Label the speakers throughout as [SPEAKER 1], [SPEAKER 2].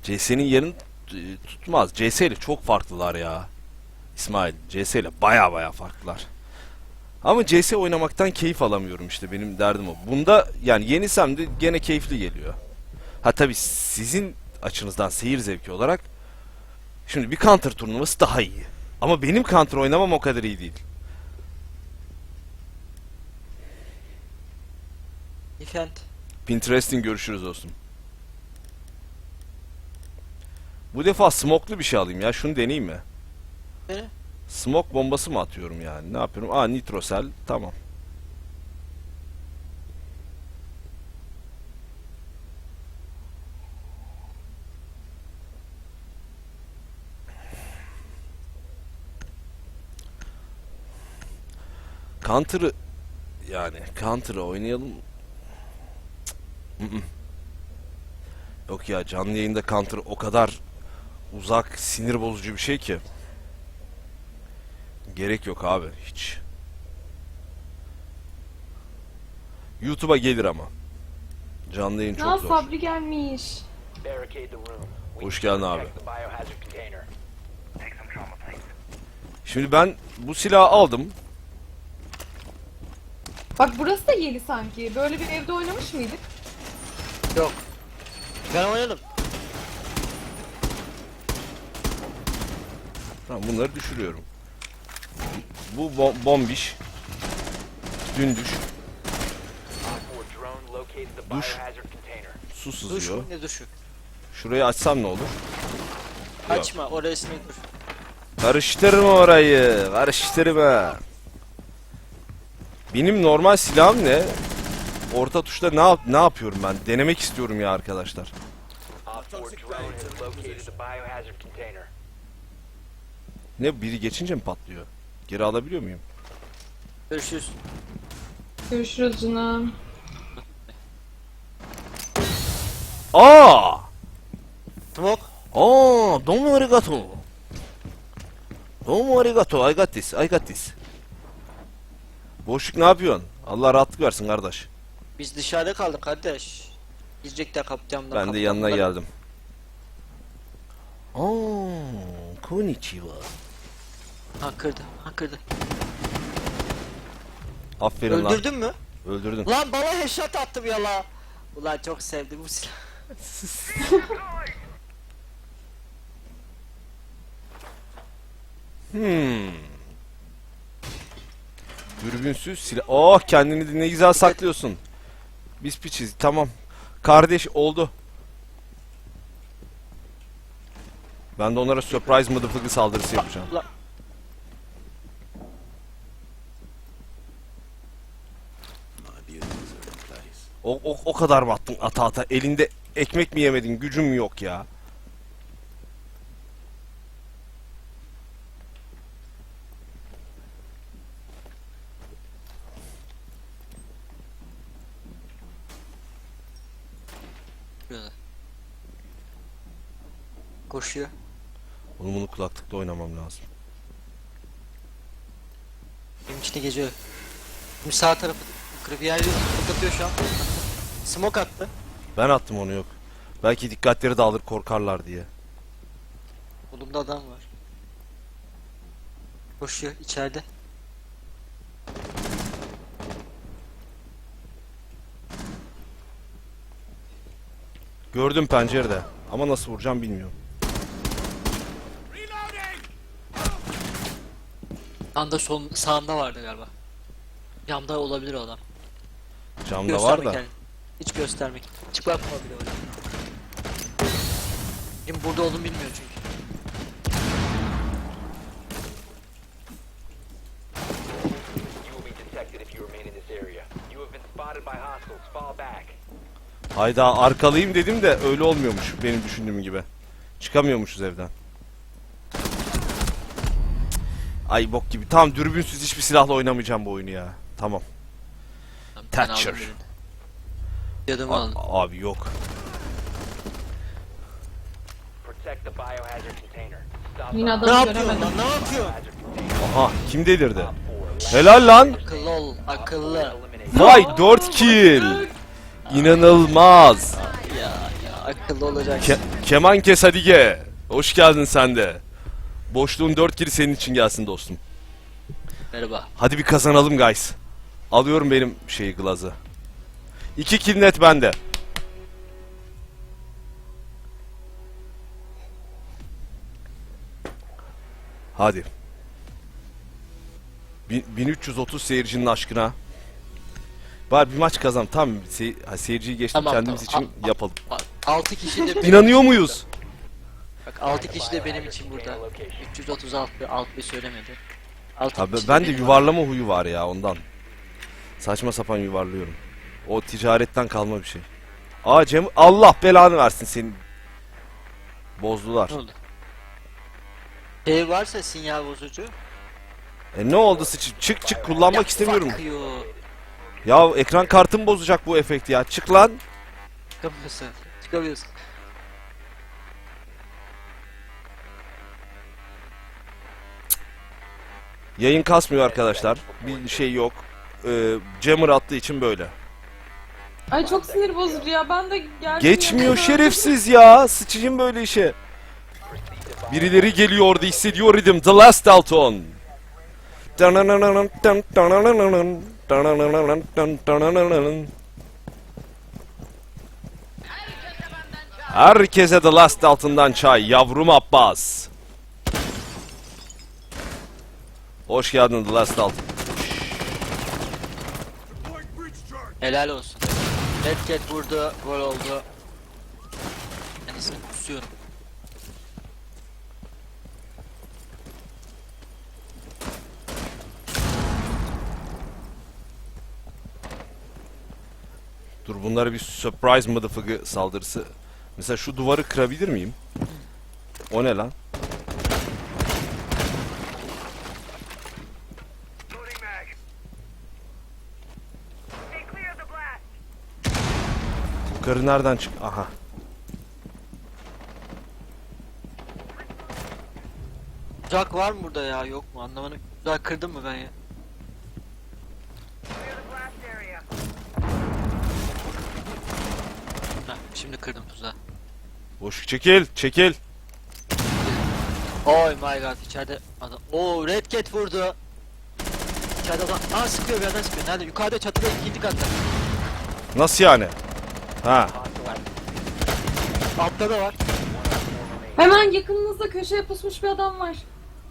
[SPEAKER 1] CS'nin yerini tutmaz. CS ile çok farklılar ya. İsmail, CS ile baya farklılar. Ama CS oynamaktan keyif alamıyorum işte, benim derdim o. Bunda yani yenisem de gene keyifli geliyor. Ha tabi sizin açınızdan seyir zevki olarak şimdi bir counter turnuvası daha iyi. Ama benim counter oynamam o kadar iyi değil.
[SPEAKER 2] Efendim.
[SPEAKER 1] Pinterest'in görüşürüz dostum. Bu defa smoke'lu bir şey alayım ya. Şunu deneyeyim mi?
[SPEAKER 2] Ne?
[SPEAKER 1] Smoke bombası mı atıyorum yani? Ne yapıyorum? Aa, nitrosel. Tamam. Counter'ı yani Counter'ı oynayalım. Yok ya, canlı yayında Counter o kadar uzak, sinir bozucu bir şey ki. Gerek yok abi hiç. YouTube'a gelir ama. Canlı yayın çok zor.
[SPEAKER 3] Sabri gelmiş.
[SPEAKER 1] Hoş geldin abi. Şimdi ben bu silahı aldım.
[SPEAKER 3] Bak burası da yeni sanki. Böyle bir evde oynamış mıydık?
[SPEAKER 2] Yok. Ben oynadım.
[SPEAKER 1] Tamam, bunları düşürüyorum. Bu bombiş. Dündüş. Duş. Su
[SPEAKER 2] Duş
[SPEAKER 1] sızıyor.
[SPEAKER 2] mu? Ne duşu?
[SPEAKER 1] Şurayı açsam ne olur?
[SPEAKER 2] Açma, orası ne dur.
[SPEAKER 1] Karıştırma orayı. Karıştırma. Benim normal silahım ne? Orta tuşta ne yapıyorum ben? Denemek istiyorum ya arkadaşlar. Ne, biri geçince mi patlıyor? Geri alabiliyor muyum?
[SPEAKER 2] Görüşürüz.
[SPEAKER 3] Görüşürüz canım.
[SPEAKER 1] Aa!
[SPEAKER 2] Smoke.
[SPEAKER 1] Aa, domo arigato. Domo arigato. I got this. I got this. Boşluk ne yapıyorsun? Allah rahatlık versin kardeş.
[SPEAKER 2] Biz dışarıda kaldık kardeş. Girecekler kaptanımdan.
[SPEAKER 1] Ben de yanına geldim. Aa, konnichiwa.
[SPEAKER 2] Ha kırdı.
[SPEAKER 1] Aferin lan.
[SPEAKER 2] Öldürdün mü?
[SPEAKER 1] Öldürdün.
[SPEAKER 2] Lan bana headshot attım ya la. Ulan çok sevdim bu silahı.
[SPEAKER 1] Dürbünsüz silah. Oh, kendini de ne güzel saklıyorsun. Biz piçiz. Tamam. Kardeş oldu. Ben de onlara surprise motherfucker saldırısı yapacağım.
[SPEAKER 2] Ulan.
[SPEAKER 1] O kadar mı attın ata? Elinde ekmek mi yemedin? Gücün mü yok ya?
[SPEAKER 2] Koşuyor.
[SPEAKER 1] Oğlum, bunu kulaklıkla oynamam lazım.
[SPEAKER 2] Benim içine geziyor. Şimdi sağ tarafı kırıp yer atıyor şu an. Smoke attı.
[SPEAKER 1] Ben attım onu, yok. Belki dikkatleri dağılır, korkarlar diye.
[SPEAKER 2] Kolumda adam var. Koşuyor içeride.
[SPEAKER 1] Gördüm pencerede. Ama nasıl vuracağım bilmiyorum.
[SPEAKER 2] Anda sağında vardı galiba. Camda olabilir o adam.
[SPEAKER 1] Camda var da.
[SPEAKER 2] Kendini. Hiç göstermek. Çıplak mı bile öyle. Şimdi burada olduğunu bilmiyor çünkü.
[SPEAKER 1] Hayda, arkalıyım dedim de öyle olmuyormuş benim düşündüğüm gibi. Çıkamıyormuşuz evden. Ay bok gibi. Tamam, dürbünsüz hiçbir silahla oynamayacağım bu oyunu ya. Tamam. Thatcher.
[SPEAKER 2] Yadımı aldım.
[SPEAKER 1] Abi yok.
[SPEAKER 3] Yine
[SPEAKER 2] Ne
[SPEAKER 3] adamı
[SPEAKER 2] yapıyorsun
[SPEAKER 3] göremedim.
[SPEAKER 2] lan? Ne yapıyorsun?
[SPEAKER 1] Aha, kim delirdi? Helal lan.
[SPEAKER 2] Akıllı ol. Akıllı.
[SPEAKER 1] Vay, 4 kill. İnanılmaz.
[SPEAKER 2] Ya Akıllı olacaksın.
[SPEAKER 1] Keman kes hadi ge. Hoş geldin sen de. Boşluğun 4 kiri senin için gelsin dostum.
[SPEAKER 2] Merhaba.
[SPEAKER 1] Hadi bir kazanalım guys. Alıyorum benim glazı. 2 kill net bende. Hadi. 1330 seyircinin aşkına. Bari bir maç kazan. Tamam seyirciyi geçtim,
[SPEAKER 2] Tamam,
[SPEAKER 1] kendimiz
[SPEAKER 2] tamam.
[SPEAKER 1] için yapalım.
[SPEAKER 2] 6 kişi de benim
[SPEAKER 1] İnanıyor
[SPEAKER 2] için
[SPEAKER 1] muyuz?
[SPEAKER 2] burada. Bak 6 kişi de benim için burada. 336 6 söylemedi. 6
[SPEAKER 1] Abi
[SPEAKER 2] kişi
[SPEAKER 1] ben de
[SPEAKER 2] benim
[SPEAKER 1] yuvarlama huyu var ya ondan. Saçma sapan yuvarlıyorum. O ticaretten kalma bir şey. Aa Cem, Allah belanı versin senin. Bozdular.
[SPEAKER 2] Ne oldu? Şey varsa sinyal bozucu.
[SPEAKER 1] Ne oldu çık kullanmak
[SPEAKER 2] Ya
[SPEAKER 1] istemiyorum.
[SPEAKER 2] fuck you.
[SPEAKER 1] Ya ekran kartım bozacak bu efekti ya. Çık lan.
[SPEAKER 2] Çıkamıyorsun. Çıkamıyorsun.
[SPEAKER 1] Yayın kasmıyor arkadaşlar. Bir şey yok. Jammer attığı için böyle.
[SPEAKER 3] Ay çok sinir bozucu ya. Ben de geldim.
[SPEAKER 1] Geçmiyor
[SPEAKER 3] yanına.
[SPEAKER 1] şerefsiz ya. Sıçayım böyle işe. Birileri geliyor orada, hissediyor idim. The Last Dalton. Herkese The Last Dalton'dan çay. Yavrum Abbas. Hoş geldin The Last Dalton.
[SPEAKER 2] Helal olsun. Red Cat vurdu, gol oldu. Ben ismini kusuyorum.
[SPEAKER 1] Dur bunlara bir surprise motherfucker saldırısı. Mesela şu duvarı kırabilir miyim? O ne lan? Yukarı nereden çık? Aha.
[SPEAKER 2] Uzak var mı burada ya? Yok mu? Anlamadım. Uzak kırdım mı ben ya? Heh, şimdi kırdım tuzağı.
[SPEAKER 1] Boş çekil.
[SPEAKER 2] Oh my god, içeride adam. Oo, Red Cat vurdu. İçeride adam. Aa, sıkıyor, bir yerden sıkıyor. Nerede? Yukarıda, çatıda, ikinci katta.
[SPEAKER 1] Nasıl yani? Ha.
[SPEAKER 2] Altta da var.
[SPEAKER 3] Hemen yakınınızda köşeye pusmuş bir adam var.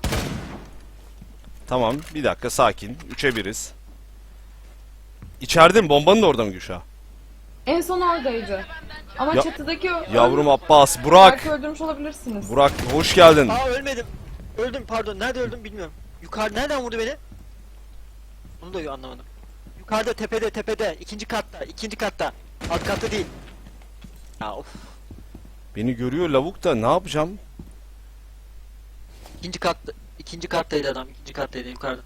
[SPEAKER 1] Tamam bir dakika sakin. 3'e 1'iz. İçeride mi? Bombanın da orada mı Gülşah?
[SPEAKER 3] En son oradaydı. Ama
[SPEAKER 1] Ya-
[SPEAKER 3] çatıdaki
[SPEAKER 1] Yavrum Abbas, Burak.
[SPEAKER 3] Belki öldürmüş olabilirsiniz.
[SPEAKER 1] Burak hoş geldin.
[SPEAKER 2] Aa, ölmedim. Öldüm, pardon. Nerede öldüm bilmiyorum. Yukarı nereden vurdu beni? Bunu da anlamadım. Yukarıda, tepede. İkinci katta. Alt katta değil. Ya of.
[SPEAKER 1] Beni görüyor lavuk da ne yapacağım?
[SPEAKER 2] İkinci kattaydı adam. İkinci kattaydı yukarıda.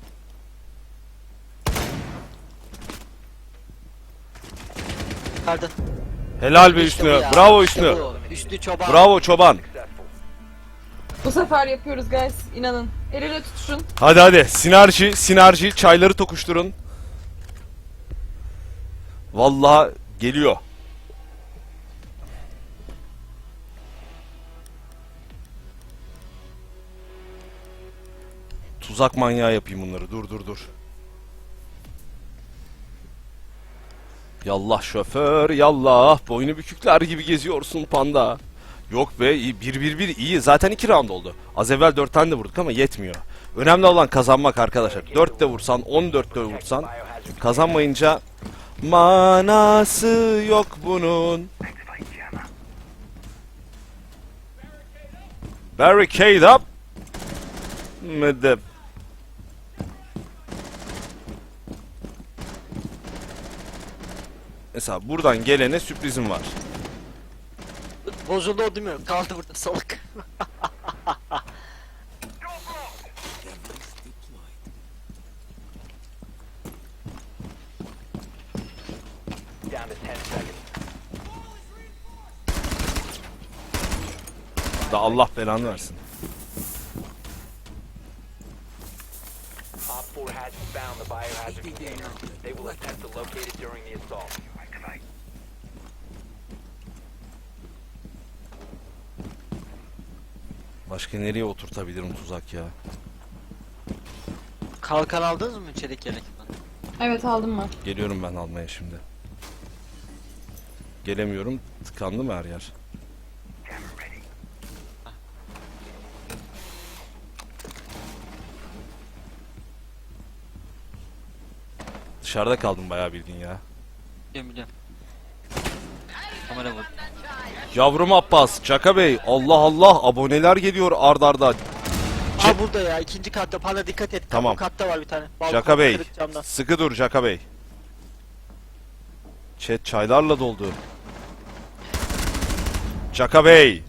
[SPEAKER 2] Yukarıda.
[SPEAKER 1] Helal be
[SPEAKER 2] İşte bu
[SPEAKER 1] Hüsnü.
[SPEAKER 2] ya,
[SPEAKER 1] Bravo
[SPEAKER 2] işte
[SPEAKER 1] Hüsnü.
[SPEAKER 2] bu. Hüsnü Çoban.
[SPEAKER 1] Bravo çoban.
[SPEAKER 3] Bu sefer yapıyoruz guys. İnanın. El ele tutuşun.
[SPEAKER 1] Hadi. Sinerji. Çayları tokuşturun. Vallahi geliyor. Tuzak manyağı yapayım bunları. Dur. Yallah şoför, yallah. Boynu bükükler gibi geziyorsun panda. Yok be, iyi. 1-1-1 iyi. Zaten 2 round oldu. Az evvel 4 tane de vurduk ama yetmiyor. Önemli olan kazanmak arkadaşlar. 4 de vursan, 14 de vursan. Kazanmayınca manası yok bunun. Barricade up. Mıdı? Mesela buradan gelene sürprizim var.
[SPEAKER 2] Bozuldu o değil mi? Kaldı burada salak.
[SPEAKER 1] Da Allah belanı versin.
[SPEAKER 4] Op 4 has found the biohazard container. They will attempt to locate it during the assault.
[SPEAKER 1] Başka nereye oturtabilirim tuzak ya?
[SPEAKER 2] Kalkan aldınız mı çelik yelek?
[SPEAKER 3] Evet aldım ben.
[SPEAKER 1] Geliyorum ben almaya şimdi. Gelemiyorum. Tıkandı mı her yer? Dışarıda kaldım bayağı bildiğin ya.
[SPEAKER 2] Biliyorum. Kamera vur.
[SPEAKER 1] Yavrum Abbas, Çaka Bey, Allah Allah aboneler geliyor ard arda.
[SPEAKER 2] Aa burada ya ikinci katta bana dikkat et.
[SPEAKER 1] Tamam.
[SPEAKER 2] Bu katta var bir tane. Balkon
[SPEAKER 1] Çaka Bey,
[SPEAKER 2] kırık camdan.
[SPEAKER 1] sıkı dur Çaka Bey. Chat çaylarla doldu. Çaka Bey.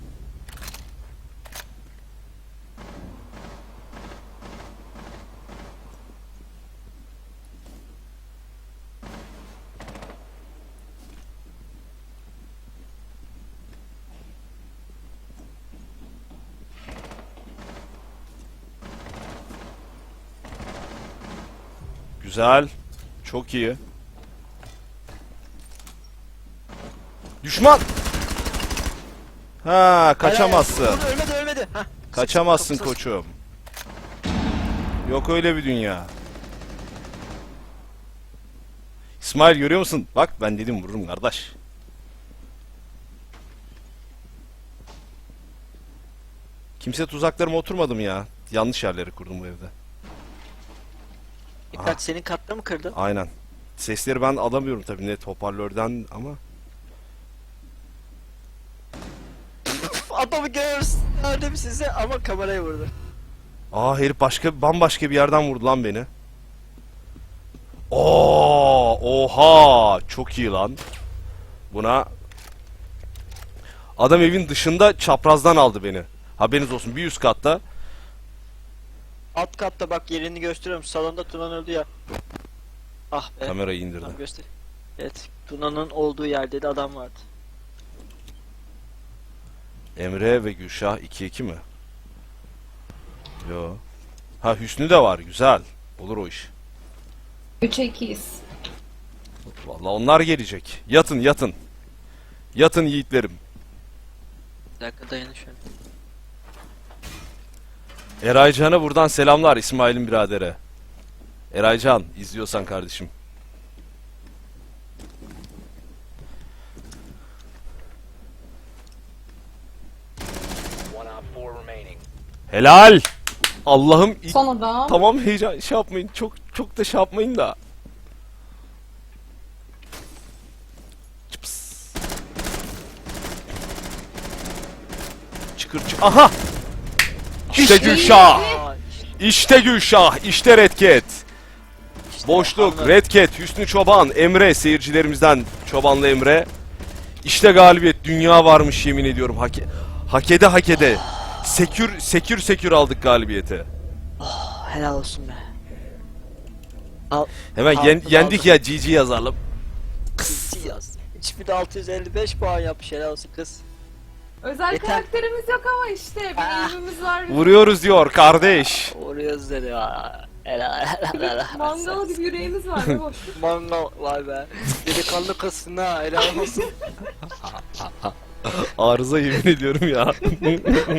[SPEAKER 1] Güzel. Çok iyi. Düşman. Ha, kaçamazsın.
[SPEAKER 2] Hayır, hayır, ölmedi. Hah.
[SPEAKER 1] Kaçamazsın
[SPEAKER 2] Kapısız.
[SPEAKER 1] koçum. Yok öyle bir dünya. İsmail görüyor musun? Bak ben dedim vururum kardeş. Kimse tuzaklarıma oturmadı mı ya? Yanlış yerleri kurdum bu evde.
[SPEAKER 2] Dikkat senin katta mı kırdın?
[SPEAKER 1] Aynen. Sesleri ben alamıyorum tabii net hoparlörden ama.
[SPEAKER 2] Adamı görüyoruz. Nerede size ama kameraya vurdu.
[SPEAKER 1] Aa herif bambaşka bir yerden vurdu lan beni. Oo, oha, çok iyi lan. Buna adam evin dışında çaprazdan aldı beni. Haberiniz olsun bir üst katta.
[SPEAKER 2] Alt katta bak yerini gösteriyorum. Salonda Tuna'nın öldü ya. Ah be.
[SPEAKER 1] Kamerayı indirdim.
[SPEAKER 2] Tamam göster. Evet. Tuna'nın olduğu yerde de adam vardı.
[SPEAKER 1] Emre ve Gülşah 2-2 mi? Yo. Ha Hüsnü de var, güzel. Olur o iş.
[SPEAKER 3] 3'e 2'yiz.
[SPEAKER 1] Vallahi onlar gelecek. Yatın yatın. Yatın yiğitlerim.
[SPEAKER 2] Bir dakika dayanın şöyle.
[SPEAKER 1] Eraycan'a buradan selamlar İsmail'in biradere. Eraycan izliyorsan kardeşim.
[SPEAKER 4] One op 4 remaining.
[SPEAKER 1] Helal. Allah'ım
[SPEAKER 3] Son adam.
[SPEAKER 1] tamam heyecan şey yapmayın. Çok da şey yapmayın da. Çıps. Çıkır çık. Aha. İşte Gülşah.
[SPEAKER 2] Aa,
[SPEAKER 1] İşte Gülşah. İşte Red Cat. Boşluk,
[SPEAKER 2] anladım.
[SPEAKER 1] Red Cat, Hüsnü Çoban, Emre seyircilerimizden Çobanlı Emre. İşte galibiyet. Dünya varmış yemin ediyorum. Hak ede. Sekür aldık galibiyeti.
[SPEAKER 2] Helal olsun be. Al.
[SPEAKER 1] Hemen
[SPEAKER 2] Aldım,
[SPEAKER 1] yendik
[SPEAKER 2] aldım.
[SPEAKER 1] ya GG yazalım.
[SPEAKER 2] Kız yaz. 3655 puan yapmış helal olsun kız.
[SPEAKER 3] Özel
[SPEAKER 2] Yeter.
[SPEAKER 3] karakterimiz yok ama işte bir
[SPEAKER 2] Ah.
[SPEAKER 3] ilmimiz var. bizim.
[SPEAKER 1] Vuruyoruz diyor kardeş.
[SPEAKER 2] Oraya dedi ha. Helal.
[SPEAKER 3] Mangal gibi yüreğimiz var be boş.
[SPEAKER 2] Mangal vay be. Delikanlı kızsın ha helal olsun.
[SPEAKER 1] Arıza yemin ediyorum ya.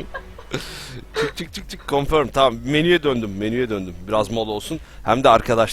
[SPEAKER 1] çık confirm tamam menüye döndüm. Biraz mola olsun. Hem de arkadaş